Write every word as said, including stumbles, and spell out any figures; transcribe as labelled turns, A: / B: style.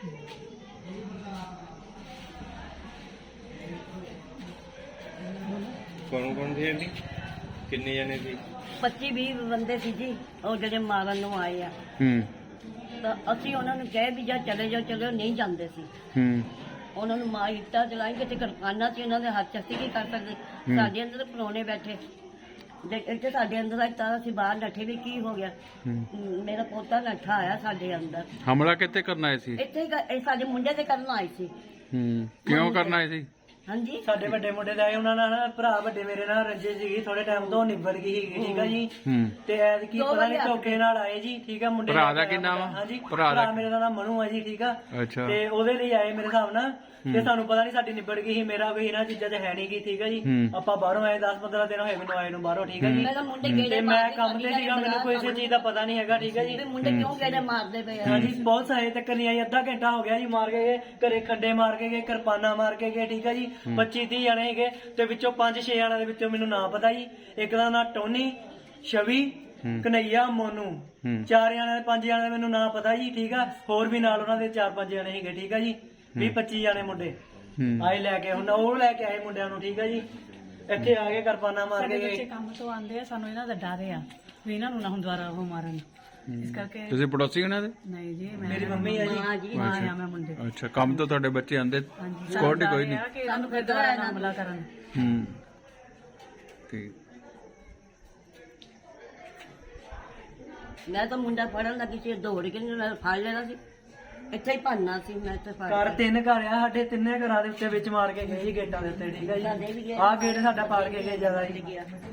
A: कौन कौन थे जी? किन्ने जने सी?
B: पच्ची भी बंदे सी जी और ਜਿਹੜੇ ਮਾਰਨ ਨੂੰ ਆਏ ਆ
C: ਹੂੰ
B: ਤਾਂ ਅਸੀਂ ਉਹਨਾਂ ਨੂੰ ਕਹੇ ਵੀ ਜਾਂ ਚਲੇ ਜਾਓ ਚਲੇ ਜਾਓ ਨਹੀਂ ਜਾਂਦੇ ਸੀ
C: ਹੂੰ
B: ਉਹਨਾਂ ਨੂੰ ਮਾਰ ਇੱਟਾਂ ਚਲਾਈ ਕਿਤੇ ਕਿਰਪਾਨਾਂ ਸੀ ਉਹਨਾਂ ਦੇ ਹੱਥ ਚ ਅਸੀਂ ਕੀ ਕਰ ਸਕਦੇ ਸਾਡੇ ਅੰਦਰ ਪਰੋਣੇ ਬੈਠੇ ਦੇ ਇੱਥੇ ਸਾਡੇ ਅੰਦਰ ਆਈ ਤਾਂ ਅਸੀਂ ਬਾਹਰ ਨੱਠੇ ਵੀ ਕੀ ਹੋ ਗਿਆ ਮੇਰਾ ਪੋਤਾ ਨੱਠਾ ਆਇਆ ਸਾਡੇ ਅੰਦਰ
C: ਹਮਲਾ ਕਿੱਥੇ ਕਰਨਾ ਆਏ ਸੀ
B: ਇੱਥੇ ਹੀ ਕ- ਇਹ ਸਾਡੇ ਮੁੰਡੇ ਤੇ ਕਰਨ ਆਏ ਸੀ
C: ਹੂੰ ਕਿਉਂ ਕਰਨਾ ਆਏ ਸੀ
B: ਹਾਂਜੀ
D: ਸਾਡੇ ਵੱਡੇ ਮੁੰਡੇ ਦਾ ਉਹਨਾਂ ਨਾਲ ਨਾ ਭਰਾ ਵੱਡੇ ਮੇਰੇ ਨਾਲ ਰੰਜੇ ਸੀਗੀ ਥੋੜੇ ਟਾਈਮ ਤੋਂ ਨਿਬੜ ਗਈ ਸੀਗੀ ਠੀਕ ਆ ਜੀ
C: ਹੂੰ
D: ਤੇ ਐਦ ਕੀ ਪਤਾ ਨਹੀਂ ਧੋਖੇ ਨਾਲ ਆਏ ਜੀ ਠੀਕ ਆ ਮੁੰਡੇ
C: ਭਰਾ
D: ਨਾਲ
C: ਦਾ ਕੀ ਨਾਮ ਆ?
D: ਹਾਂਜੀ
C: ਭਰਾ ਦਾ
D: ਭਰਾ ਮੇਰੇ ਦਾ ਨਾਮ ਮਨੂ ਆ ਜੀ ਠੀਕ ਆ
C: ਅੱਛਾ
D: ਤੇ ਉਹਦੇ ਲਈ ਆਏ ਮੇਰੇ ਹਿਸਾਬ ਨਾਲ ਤੇ ਸਾਨੂੰ ਪਤਾ ਨਹੀਂ ਸਾਡੀ ਨਿਬੜ ਗਈ ਸੀ ਮੇਰਾ ਕੋਈ ਇਹਨਾਂ ਚੀਜ਼ਾਂ 'ਚ ਹੈ ਨਹੀਂ ਗੀ ਠੀਕ ਆ ਜੀ
C: ਹੂੰ।
D: ਆਪਾਂ ਬਾਹਰੋਂ ਆਏ ਦਸ ਪੰਦਰਾਂ ਦਿਨ ਹੋਏ ਮੈਨੂੰ ਆਏ ਨੂੰ ਬਾਹਰੋਂ ਠੀਕ ਆ ਜੀ
B: ਪਹਿਲਾਂ ਮੁੰਡੇ
D: ਤੇ
B: ਗੇੜੇ
D: ਮੈਂ
B: ਮਾਰਦੇ
D: ਕੰਮ ਤੇ ਸੀਗਾ ਮੈਨੂੰ ਕੋਈ ਇਸੇ ਚੀਜ਼ ਦਾ ਪਤਾ ਨਹੀਂ ਹੈਗਾ ਠੀਕ ਆ ਜੀ
B: ਵੀ ਮੁੰਡੇ ਕਿਉਂ ਗੇੜੇ ਮਾਰਦੇ ਪਏ ਆ
D: ਹਾਂਜੀ ਬਹੁਤ ਸਾਰੇ ਤੱਕ ਨਹੀਂ ਆਈ ਅੱਧਾ ਘੰਟਾ ਹੋ ਗਿਆ ਜੀ ਮਾਰ ਕੇ ਗਏ ਘਰੇ ਖੰਡੇ ਮਾਰ ਕੇ ਗਏ ਕਿਰਪਾਨਾਂ ਮਾਰ ਕੇ ਗਏ ਠੀਕ ਆ ਜੀ ਪੱਚੀ ਤੀਹ ਜਣੇ ਹੈਗੇ ਤੇ ਵਿੱਚੋਂ ਪੰਜ ਛੇ ਜਣਿਆਂ ਦੇ ਵਿੱਚੋਂ ਮੈਨੂੰ ਨਾਂ ਪਤਾ ਜੀ ਇੱਕ ਦਾ ਨਾਂ ਟੋਨੀ ਛਵੀ ਕਨਈਆ ਮੋਨੂ ਚਾਰ ਜਣਿਆਂ ਦੇ ਪੰਜ ਜਣਿਆਂ ਦੇ ਮੈਨੂੰ ਨਾਂ ਪਤਾ ਜੀ ਠੀਕ ਆ ਹੋਰ ਵੀ ਨਾਲ ਉਹਨਾਂ ਦੇ ਚਾਰ ਪੰਜ ਜਣੇ ਸੀਗੇ ਠੀਕ ਆ ਜੀ ਵੀਹ ਪੱਚੀ ਜਣੇ ਮੁੰਡੇ ਆਏ ਲੈ ਕੇ ਹੁਣ ਉਹ ਲੈ ਕੇ ਆਏ ਮੁੰਡਿਆਂ ਨੂੰ ਠੀਕ ਆ ਜੀ ਇੱਥੇ ਆ ਕੇ ਕਿਰਪਾਨਾਂ ਮਾਰ ਕੇ ਗਏ
E: ਕੰਮ ਤੋਂ ਆਉਂਦੇ ਆ ਸਾਨੂੰ ਇਹਨਾਂ ਦਾ ਡਰ ਆ ਵੀ ਇਹਨਾਂ ਨੂੰ ਨਾ ਹੁਣ ਦੁਬਾਰਾ ਉਹ ਮਾਰਨ ਇਸ ਕਰਕੇ
C: ਤੁਸੀਂ ਪੜੋਸੀ ਉਹਨਾਂ ਦੇ
E: ਨਹੀਂ ਜੀ ਮੈਂ
D: ਮੇਰੀ ਮੰਮੀ ਆ ਜੀ
B: ਹਾਂ ਜੀ
E: ਮਾਂ ਆ ਮੈਂ ਮੁੰਡੇ
C: ਅੱਛਾ ਕੰਮ ਤੋਂ ਤੁਹਾਡੇ ਬੱਚੇ ਆਂਦੇ
E: ਹਾਂਜੀ
C: ਸਕਿਉਰਟੀ ਕੋਈ ਨਹੀਂ
E: ਕਿ ਸਾਨੂੰ ਫਿਰ ਦੁਬਾਰਾ ਨਾ ਹਮਲਾ ਕਰਨ
C: ਹੂੰ ਠੀਕ
B: ਮੈਂ ਤਾਂ ਮੁੰਡਾ ਫੜਨ ਲੱਗੀ ਸੀ ਦੌੜ ਕੇ ਨਾਲ ਫੜ ਲੈਣਾ ਸੀ ਇੱਥੇ ਹੀ ਭੰਨਣਾ ਸੀ ਮੈਂ ਤੇ ਫੜ
D: ਘਰ ਤਿੰਨ ਘਰ ਆ ਸਾਡੇ ਤਿੰਨੇ ਘਰਾਂ ਦੇ ਉੱਤੇ ਵਿੱਚ ਮਾਰ ਕੇ ਗਏ ਜੀ ਗੇਟਾਂ ਦੇ ਉੱਤੇ ਠੀਕ ਆ
B: ਸਾਡੇ ਵੀ
D: ਜੀ
B: ਗਏ।
D: ਆਹ ਗੇਟ ਸਾਡਾ ਪਾੜ ਕੇ ਗਏ ਜ਼ਿਆਦਾ ਜੀ
B: ਗਿਆ